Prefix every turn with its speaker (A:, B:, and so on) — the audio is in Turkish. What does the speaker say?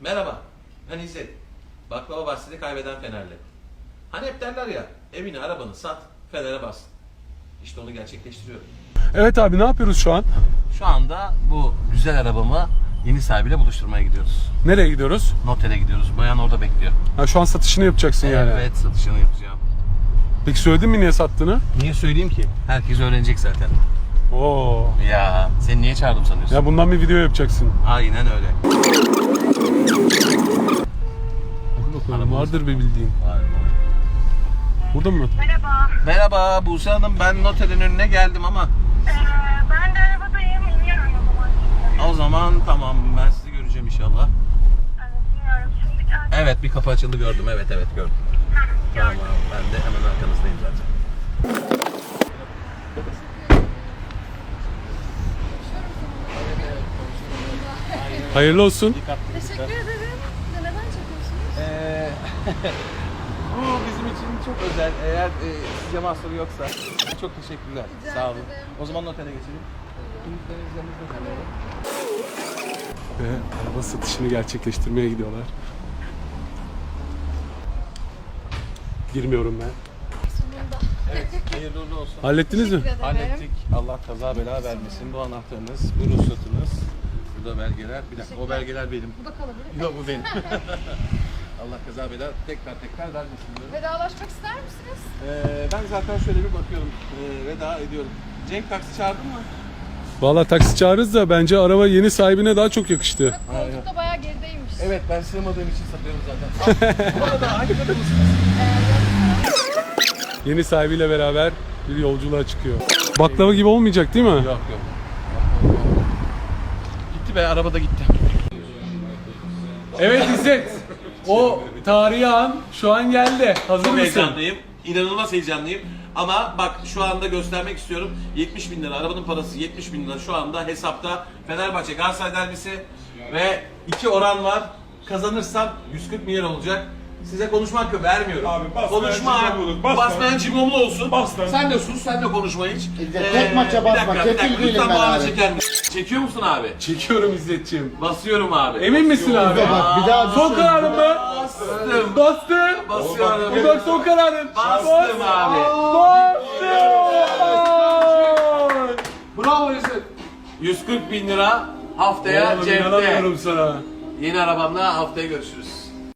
A: Merhaba, ben İzzet. Baklava bahsini kaybeden Fenerli. Hani hep derler ya, evini arabanı sat, Fener'e bas. İşte onu gerçekleştiriyorum.
B: Evet abi, ne yapıyoruz şu an?
A: Şu anda bu güzel arabamı yeni sahibiyle buluşturmaya gidiyoruz.
B: Nereye gidiyoruz?
A: Notere gidiyoruz. Bayan orada bekliyor.
B: Ha, şu an satışını yapacaksın yani.
A: Evet, satışını yapacağım.
B: Peki söyledin mi niye sattığını?
A: Niye söyleyeyim ki? Herkes öğrenecek zaten.
B: Oo.
A: Ya, seni niye çağırdım sanıyorsun?
B: Ya bundan bir video yapacaksın.
A: Aynen öyle.
B: Hadi bakalım,
A: Arabamız
B: vardır bir bildiğin.
A: Var.
B: Burada mı?
C: Merhaba.
A: Merhaba Buse Hanım, ben noterin önüne geldim ama
C: Ben de arabadayım. İniyorum o zaman.
A: o zaman tamam, ben sizi göreceğim inşallah.
C: Evet, iniyorum. Şimdi geldim.
A: Evet, bir kapı açıldı, gördüm. Evet gördüm. Tamam, ben de hemen arkanızdayım zaten.
B: Hayırlı olsun.
D: Teşekkür ederim. Neden çekiyorsunuz?
A: Bu bizim için çok özel. Eğer sizce mahsuru yoksa çok teşekkürler.
D: Rica
A: Sağ olun.
D: ederim.
A: O zaman notere geçelim.
B: Ve araba satışını gerçekleştirmeye gidiyorlar. Girmiyorum ben.
D: Sonunda.
A: Evet, hayırlı uğurlu olsun.
B: Hallettiniz mi?
D: Teşekkür ederim.
A: Hallettik. Allah kaza bela vermesin. Bu anahtarınız, bu ruhsatınız, bu da belgeler. Bir dakika, o belgeler benim.
D: Bu da kalabilir.
A: Yok, bu benim. Allah kaza bela tekrar vermesin diyorum.
D: Vedalaşmak ister misiniz?
A: Ben zaten şöyle bir bakıyorum. Veda ediyorum. Cenk, taksi çağırdın mı?
B: Valla taksi çağırırız da bence araba yeni sahibine daha çok yakıştı.
D: Koltuk da bayağı gerideymiş.
A: Evet, ben sığmadığım için satıyorum zaten. Bu arada hangi kadın mısınız?
B: Yeni sahibiyle beraber bir yolculuğa çıkıyor. Baklava gibi olmayacak değil mi?
A: Yok. Gitti be, arabada gitti.
B: Evet İzzet. O tarihi an şu an geldi. Hazır
A: Çok
B: mısın?
A: heyecanlıyım. İnanılmaz heyecanlıyım. Ama bak, şu anda göstermek istiyorum. 70 bin lira. Arabanın parası 70 bin lira şu anda hesapta. Fenerbahçe Galatasaray derbisi ve 2 oran var. Kazanırsam 140 milyon olacak. Size konuşma hakkı vermiyorum.
E: Abi bas,
A: konuşma
E: ben
A: hakkı.
E: cimomluluk, bas
A: Bas
E: lan.
A: ben cimomlu olsun.
E: Bas lan.
A: Sen de sus, sen de konuşma hiç.
F: tek maça basma, kefil değilim
A: Lütfen
F: ben
A: bağını
F: abi.
A: çeker misin? Çekiyor musun abi?
B: Çekiyorum İzzetciğim.
A: Basıyorum abi.
B: Emin misin abi?
F: Bak bir daha
B: Son kararın mı?
A: Bastım.
B: Bastı.
A: Basıyorum.
B: Bu bak son kararın.
A: Bastım abi.
B: Bravo İzzet.
A: 140 bin lira haftaya
B: Oğlum,
A: cepte.
B: inanamıyorum sana.
A: Yeni arabamla haftaya görüşürüz.